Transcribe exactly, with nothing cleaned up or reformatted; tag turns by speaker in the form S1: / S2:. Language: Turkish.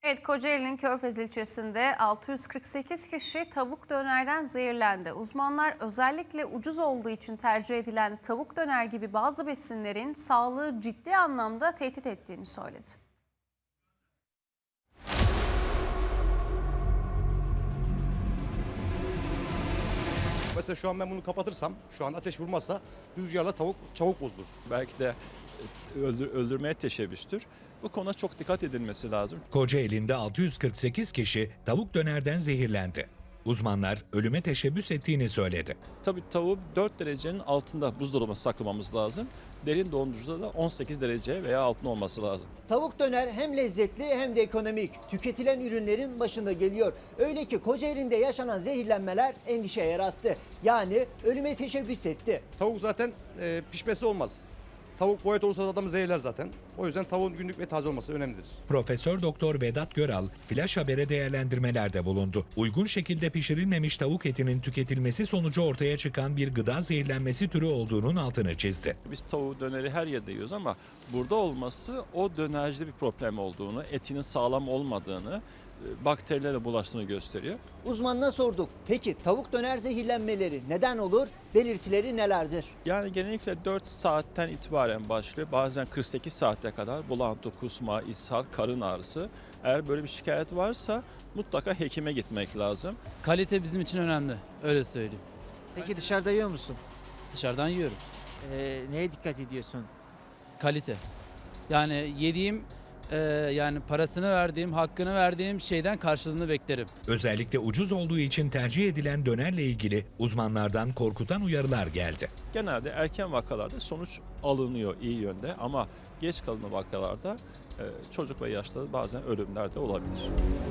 S1: Evet, Kocaeli'nin Körfez ilçesinde altı yüz kırk sekiz kişi tavuk dönerden zehirlendi. Uzmanlar özellikle ucuz olduğu için tercih edilen tavuk döner gibi bazı besinlerin sağlığı ciddi anlamda tehdit ettiğini söyledi.
S2: Mesela şu an ben bunu kapatırsam, şu an ateş vurmazsa rüzgarla tavuk çabuk bozulur.
S3: Belki de öldür, öldürmeye teşebbüstür. Bu konuda çok dikkat edilmesi lazım.
S4: Kocaeli'nde altı yüz kırk sekiz kişi tavuk dönerden zehirlendi. Uzmanlar ölüme teşebbüs ettiğini söyledi.
S3: Tabii tavuğu dört derecenin altında buzdolabına saklamamız lazım. Derin dondurucuda da on sekiz derece veya altında olması lazım.
S5: Tavuk döner hem lezzetli hem de ekonomik. Tüketilen ürünlerin başında geliyor. Öyle ki Kocaeli'nde yaşanan zehirlenmeler endişe yarattı. Yani ölüme teşebbüs etti.
S2: Tavuk zaten e, pişmesi olmaz. Tavuk boyut olursa adamı zehirler zaten. O yüzden tavuğun günlük ve taze olması önemlidir.
S4: Profesör Doktor Vedat Göral, Flash Haber'e değerlendirmelerde bulundu. Uygun şekilde pişirilmemiş tavuk etinin tüketilmesi sonucu ortaya çıkan bir gıda zehirlenmesi türü olduğunun altını çizdi.
S3: Biz tavuğu döneri her yerde yiyoruz ama burada olması o dönercide bir problem olduğunu, etinin sağlam olmadığını, bakterilere bulaştığını gösteriyor.
S5: Uzmanına sorduk. Peki tavuk döner zehirlenmeleri neden olur? Belirtileri nelerdir?
S3: Yani genellikle dört saatten itibaren başlıyor. Bazen kırk sekiz saate kadar bulantı, kusma, ishal, karın ağrısı. Eğer böyle bir şikayet varsa mutlaka hekime gitmek lazım.
S6: Kalite bizim için önemli, öyle söyleyeyim.
S7: Peki dışarıda yiyor musun?
S6: Dışarıdan yiyorum.
S7: Ee, neye dikkat ediyorsun?
S6: Kalite. Yani yediğim, e, yani parasını verdiğim, hakkını verdiğim şeyden karşılığını beklerim.
S4: Özellikle ucuz olduğu için tercih edilen dönerle ilgili uzmanlardan korkutan uyarılar geldi.
S3: Genelde erken vakalarda sonuç alınıyor iyi yönde ama geç kalınan vakalarda e, çocuk ve yaşta bazen ölümler de olabilir.